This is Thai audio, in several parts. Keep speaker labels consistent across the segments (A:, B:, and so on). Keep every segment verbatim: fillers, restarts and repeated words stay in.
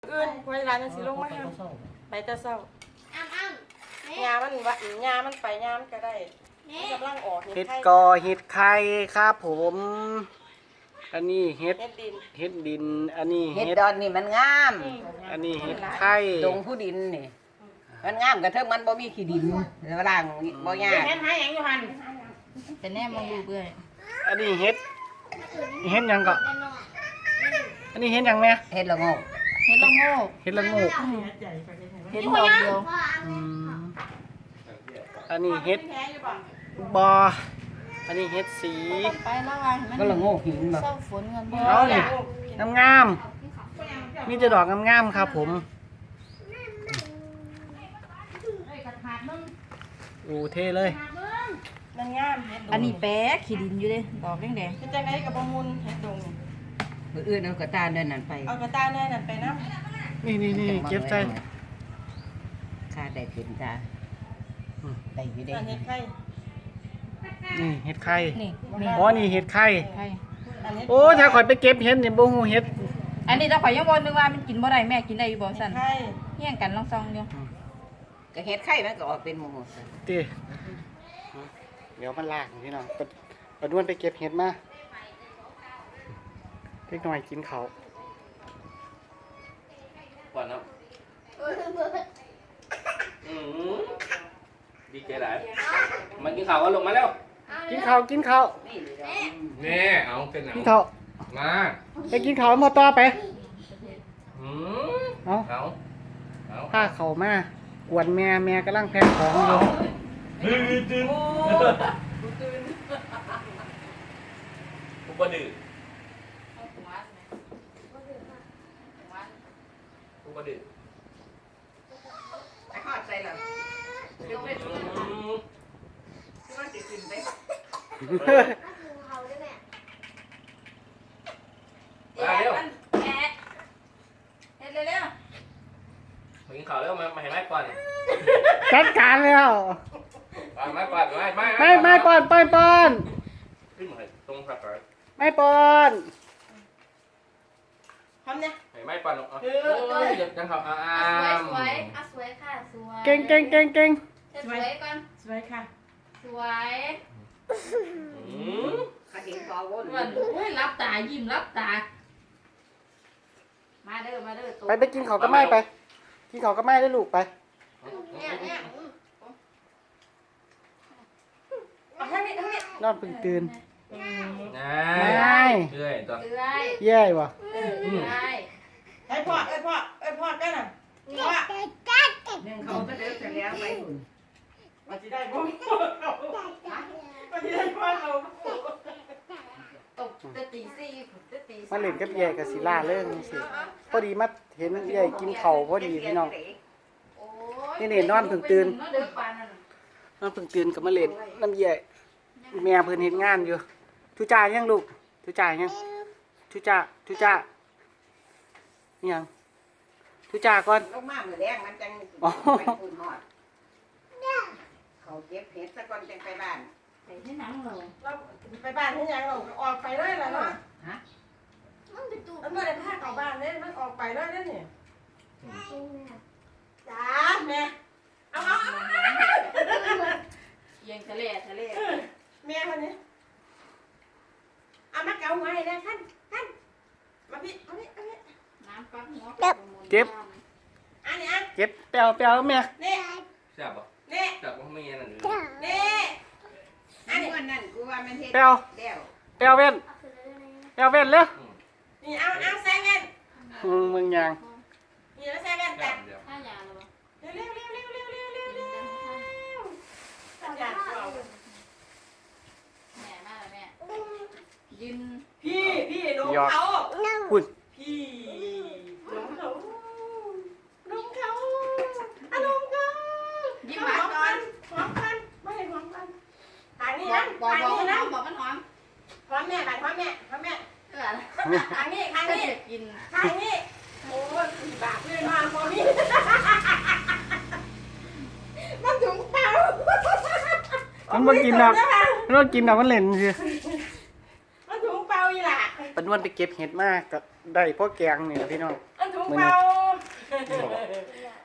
A: อื่นเวลาจะสิลงมาห้ามไปแต่เศร้าอ้ำอ้ำยามันวะยามันไปยามันก็ได้กำลังออก
B: เห็ดกอเห็ดไข่ครับผมอันนี้เห็ด
A: เห็ดดิน
B: เห็ดดินอันนี้
C: เห็ด
B: เห็ด
C: ดอนนี่มันงาม
B: อันนี้เห็ดไข่
C: ดงผู้ดินนี่มันงามกระเทิงมันบ่มีขี้ดินแล้วล่างบ่ยาก
A: แค่หาอย่างอยู่หัน
D: แต่แน่มองดูเบื่อ
B: อันนี้เห็ดเห็ดหยังก็อันนี้เห็ดหยังแม่
C: เห็ดละโงก
D: เห็ดละโงก
B: เห็ดละโงก
D: เห็ดดอกเดียว
B: อืมอันนี้เห็ด
A: แค่อยู่บ่
B: บออันนี้เห็ดสี
D: ไปแล้วว่ามัน
C: ก็ละโงกหินบ่
D: เศร้าฝนเงินบ่
B: เอานี่งามงามๆมีแต่ดอกงามงามๆครับผมโอ้เท่เลย
A: มันงามเห็ด
D: อันนี้แป๊ะขี้ดินอยู่เด้ดอกแดง
A: เป็นจังไดกับประมูลเห็ดดง
C: มื้ออื่นเอากระตาเดินนั่นไป
A: เอากระตาแน่นั่นไปน้ำ
B: นี่นี่นี่เก็บใจ
C: ค่าได้เป็นตาได้อยู่ได้
A: อันเห็ดไข่
B: นี่เห็ดไข่
D: ๆนี่นี่
B: อ๋อนี่เห็ดไข่
D: ไข่
A: อันเห็ด
B: โอ้ถ้าข่อยไปเก็บเห็ดเนี่ยบ่ฮู้เห็ด
D: อันนี้ถ้าข่อยยังบ่นึกว่ามันกินบ่ได้แม่กินได้อยู่บ่สั่น
A: ไข่
D: เฮี้ยงกันลองซองเดียว
C: ก็เห็ดไข่มันก็ออกเป็นหมู่
B: ติเดี๋ยวมันลากพี่น้องปะปะด้วนไปเก็บเห็ดมาเล็กน้อยกินเขาว
E: ก่อนเนาะอืมดีใจหลายมากินข้าวกันลงมาแล้ว
B: กินข้าวกินข้าว
E: นี่เอาเป็นหนัง
B: กินข้าว
E: มา
B: ไปกินข้าวมาต่อไป
E: อืม
B: เอา
E: เอาเอา
B: ผ้าเขาวมากวนแม่แม่กำลังแพ็คของอยู่
E: ตื่นตื่นกูบ่ดื้อกูบ่ดื้อ
C: ไปฮอดใส่ล่ะ
E: อืม
C: มันสิขึ้นไป
E: มาเร็ว
D: แอะเฮ็ดเร็ว
E: มากินข้าวเร็วมามาให้ไม้ก่อน
B: จัดการแล้ว
E: มาไม้ก่อนไม้ไม้
B: ไม่ไม่ปอนปอนปอน
E: ขึ้นมาให้ตรงครับก่อน
B: ไม่ปอน
A: ทำเนี่ย
E: ให้ไม้ก่อนลงเอาเอ้ยเดี๋ยวจังเขาอ่า
F: อ่ะสวยสวยอ่ะสวยค่ะสวย
B: เก่งเก่งเก่งเก่ง
F: เธอสวยก่อน
A: สวยค่ะ
F: สวย
E: อืม
C: ก็เห็นพอวน
D: มันโอ้ยรับตายิ้มรับตา มาเด้อมาเด้อตัว
B: ไปไปกินข้าวก็ไม่ไป กินข้าวก็ไม่ได้ลูกไป
F: เนี่ยเนี่ย
A: เอาให้นี่ให้นี่
B: นอนเพิ่งตื่น
E: ง่า
B: ไม่
E: ยเรื่อยตัว
F: เอื้อย
B: แย่วะ
F: เอื้อย
A: ให้พ่อเอ้ยพ่อเอ้ยพ่อกันน่ะพ่อ
C: หนึ่งเขาก็เดินไปแล้วไปหุ่น
A: มาสิได้พ่อเขามาสิได้พ่อเขา
F: ตกจะตีสี่จะตี
B: มาเล่นกับแย่กับศิลาเรื่องสิพอดีมาเห็นแย่กินข้าวพอดีพี่น้อง
F: โอ้
B: นี่นี่นอนเพิ่งตื่น
F: เนาะเด้อปานนั่น
B: นอนเพิ่งตื่นกับมาเล่นน้ำแย่แม่เพิ่นเฮ็ดงานอยู่ทุจ่ายังลูกทุจ่ายังทุจ่าทุจ่ายังทุจ่าก่อน
C: ลงมามื้อแรกมันจังไปหุ่นฮอดเขาเก็บเห็ดซะก่อนจังไปบ้าน
D: ไปที่หนังเรา
A: เราไปบ้านที่ยังเราออกไปเลยล่ะเนาะ
F: มันเป็นตู้
A: มันไม่ได้พาเข้าบ้านเลยมันออกไปเลยเด้อนี่จ้าแม่เอาเอาเอา
D: เอียงทะเลทะเล
A: แม่คนนี้เอามาเกาไว้นะท่านท่านมาพี่มาพี่มาพี่
D: น้ำปักหัว
B: เก็บ
A: อันนี้อัน
B: เก็บแปลวแปลวแม่
A: นี่
E: แซ่บป่ะ
A: นี่
E: แซ่บป่ะไม่ยันนั่นเลย
A: นี่
C: อันนี้วันนั้นกูว่ามันเฮ็ด
B: แปลว
C: เดี๋ยว
B: แปลวเว้นแปลวเว้นเร็ว
A: นี่เอาเอาใส่เงิน
B: มึงมึงยัง
A: นี่แล้วใส่เงิน
E: แซ่
A: แต่
E: บเดียว
F: ถ้ายาแล้วบ่
A: เร็วเร็วเร็วเร็วเร็วเร็วเร็วเร็วสัญญาณเรา
F: แม่มาแล้วแม่
D: ยืน
A: พี่พี่น้องเขา
B: คุณ
A: พี่น้องเขาน้องเขาอ่ะน้องเขา
D: ยิ้ม
A: ห
D: หวา
A: อน ม
D: ก่อ
A: กัน นหอมกันไม่ให้หอมกันทางนี้
D: บอ
A: นะ
D: กบอก
A: ทาง
D: บอก
A: นี้
D: มันห
A: นะ
D: อมบอกมันหอม
A: หอมแม่ไปหอมแม่หอมแม่
F: เอื้อย
A: ทางนี้ทาง
D: ถ้า
A: นี้
D: จะกิน
A: ทางนี้โอ้ยสี่บาทเลยมาพอมีมันถุงเปล่า
B: มันบ่กินดอกมันบ่กินดอกมันเล่นสิ
A: มันถุงเปล่าอีหล่ะ
B: ปะนวลไปเก็บเห็ดมากก็ได้พ่อแกงนี่แหละพี่น้อง
A: มันถุงเปล่า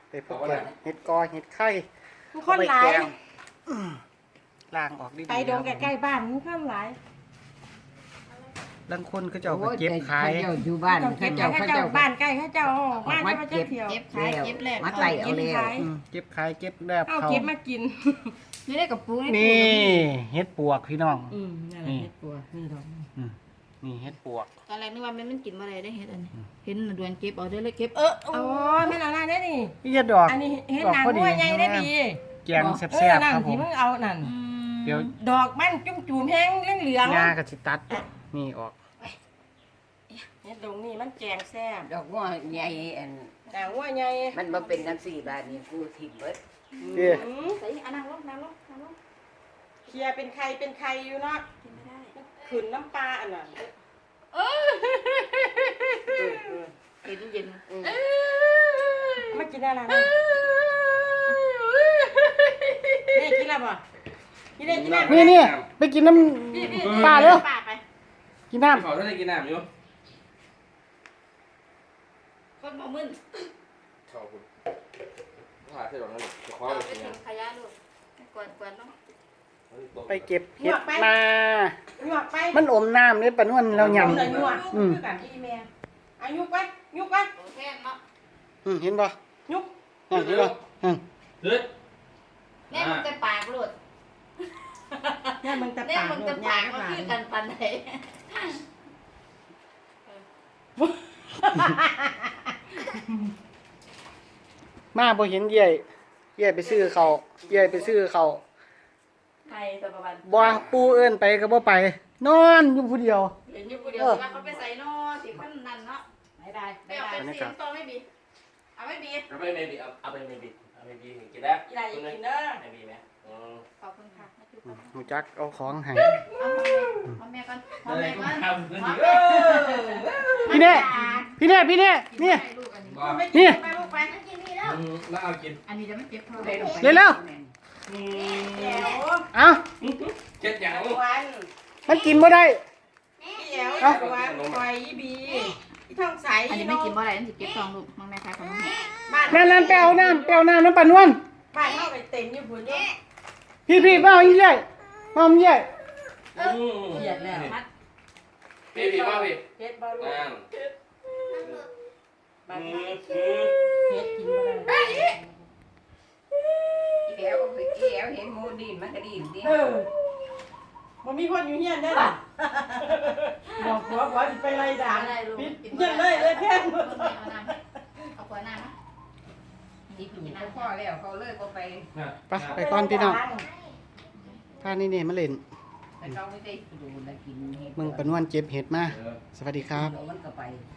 B: ไปพวกแกงเห็ดกอเห็ดไข่
A: มันคนหลาย
B: เอไปแกงอืมล้างออกดีๆ
A: ไปดง
B: ครับ
A: ใกล้ๆบ้านมันคนหลาย
B: บางคนก็จะเอาไปเก็บขาย
C: เจ้าอยู่บ้าน
A: เขา
C: เขา
A: เจ้า
C: เจ้า
A: เขา
C: เขา
A: เจ้า
C: เจ้า
A: บ้านใกล้เขาเจ้าออก
C: ออก
A: บ้าน
C: มา
A: เขาเจ้า
C: เก็บ
A: เที่ยว
D: เก็บขายเก็บแลก
C: มัดไหลเอาแล้ว
B: อืมเก็บขายเก็บแลบ
A: เอา
B: เขา
A: เก็บมากิน
D: นี่ได้กับปูนี่
B: นี่เห็ดปวกพี่น้อง
A: อืมนั่นแหละเฮ็ดปัวนี่ดอก
B: อืมนี่เห็ดปวก
D: ตอนแรกนึกว่ามันมันกินบ่ได้ได้เฮ็ดอันนี้เห็นดวนเก็บเอาได้เลยเก็บเออ
A: อ๋อแม่นเอาหน้าได้นี่
B: นี่จะดอก
A: อันนี้เฮ็ด
B: ดอก
A: หนัง
B: พอดี
A: หัวใหญ่ได้ดี
B: แกงแซ่
A: เออบ
B: ๆ
A: นั่น
B: ครับผ
A: ที่
B: ม
A: มึงเอานั่น
B: เดี๋ยว
A: ดอกมันจุ่มจุ่มๆแห้งเหลือง
B: งากับสิตัดนี่ออก
A: ๆเฮ็ดดงนี่มันแกงแซ่บ
C: ดอกว่าใหญ่อัน
A: หนังหัวใหญ่
C: มันมาเป็นน้ำสี่บาทนี่กูถิ่มเบิด
B: เด้อ
A: อืม
D: ใส่อันนั่งลงนั่งลงนั่งลง
A: เคลียร์เป็นไข่เป็นไข่อยู่เนาะ
D: กินไม่ได้
A: ขืนน้ำปลาอันน่ะ
D: เย็นเย็น
A: มากินอะไรนะนี่กินอะไรบ่กินได้กินได้
B: นี่นี่ไปกินน้
A: พี่พี่
B: ำปลาเร็ว
A: ปลาไป
B: กินน้
E: ขอท่านได้กินน้ำอยู่
D: คนบ่มึน
E: ขอบคุณว่าใช่หรอนั่นจะคว้า
D: เอา
E: ไป
D: ไป
E: กิน
D: ถึงขยะลูกกวนกวนเนาะ
B: ำไปเก็บเห็ดมา
A: หยวกไป
B: มันอมน้ำเนี่ยปะนวลเราย
A: หยวกหยวก
B: อืม
A: คือกันที่แม่อายุไปยุกไป
D: โอเคเนาะ
B: ำอืมเห็นป่ะ
A: ยุก
B: นั่นเห็นป่ะอืม
E: เฮ้ย
D: แม่มึงจะปากลูก
A: เนี่ยมึงจะ
D: แม่
A: ปาก
D: มึงจะ
A: ยา
D: ปาก
A: ก
D: มัน
A: หลา
D: คือกันปันไหน
B: มาพอเห็นเย่ยเย่ยไปซื้อเขาวเย่ยไปซื้อเขาว
D: ไทยตัวประมาณ
B: บ่ปูเอิ้นไปก็บ่ไป นอนอยู่ผู้เดียว
D: เห็นอยู่ผู้เดียวสิว่าเขาไปใส่นอสิพันนั่นเนาะ
A: ไม่ได้
D: ไม่
A: ไม่
D: เอา
A: ได้
D: เป็นเสียงต่อไม่บีเอาไม่บี
E: เอาไปเมบีเอาเอาไปเมบีเอาเมบีกินได้
A: อีไรอย่ากินเด้อ
E: เมบีไหมอืม
D: ขอบคุณค่ะมาจุ๊บ
B: อืมหูจักเอาของให้
D: เอาแม่ก่อนเอาแม่ก่อน
E: ทำขึ้น
D: เอา
E: ดี
D: แม่
B: พี่เน่พี่เน่พี่เน่นี่
D: ลูกอันนี้
E: บอก
A: ไม่กินไปลูกไป
E: อืมแล้วเอากิน
D: อันนี้จะไม่เก็บเท่าไห
C: ได้
D: ร่
C: ลงไป
B: เร็วเร็ว
E: อืม
A: เดี๋ยว
B: เอา
E: เจ็ดอย่าง
A: วัน
B: มันกินบ่ได้
A: เดี๋ยววันปล่อยอีบีอีท้องใส
D: อันนี้ไม่กินบ่ได้อันนี้เก็บซองลูกมังแม่ค่ะขนม
A: บ้าน
B: นั่นนั่นไปเอาน้ำไปเอาน้ำน้ำปลานวล
A: บ้านเท่าไปเต็มอยู่พุ่นเนาะ
B: พี่พี่มาเอาอีเย่ยมาเอาอีเย่ย
E: อืม
A: เกียดแล้ว
D: มัด
E: เมบีมาพี่
A: เฮ็ดบ่ลูก
E: นั่น
A: บ้าน
E: อื
A: เฮ็
E: มอืม
A: ดกินบ่ได้
C: อีแหวอีแหวเห็นหมูดินมันก็ดินดิ
A: เออบ่มีคนอยู่เฮียนได้ล่ะบอกผัวผัวสิไปไล่ด่าปิดเฮียนเลยเลยแค่น
D: เอาขวดน้ำนะ
C: อีผีเขาพ่อแล้วเขาเลิกก็ไป
E: น่ะ
B: ไปไปก่อนพี่น้องพานี่เนี่ยมาเล่น
C: แต่เขาไม่ได้ดูแลกินเห็ด
B: มึงปะนวลเจ็บเห็ดมา
E: เออ
B: สวัสดีครับ
C: เดี๋ยวมันก็ไป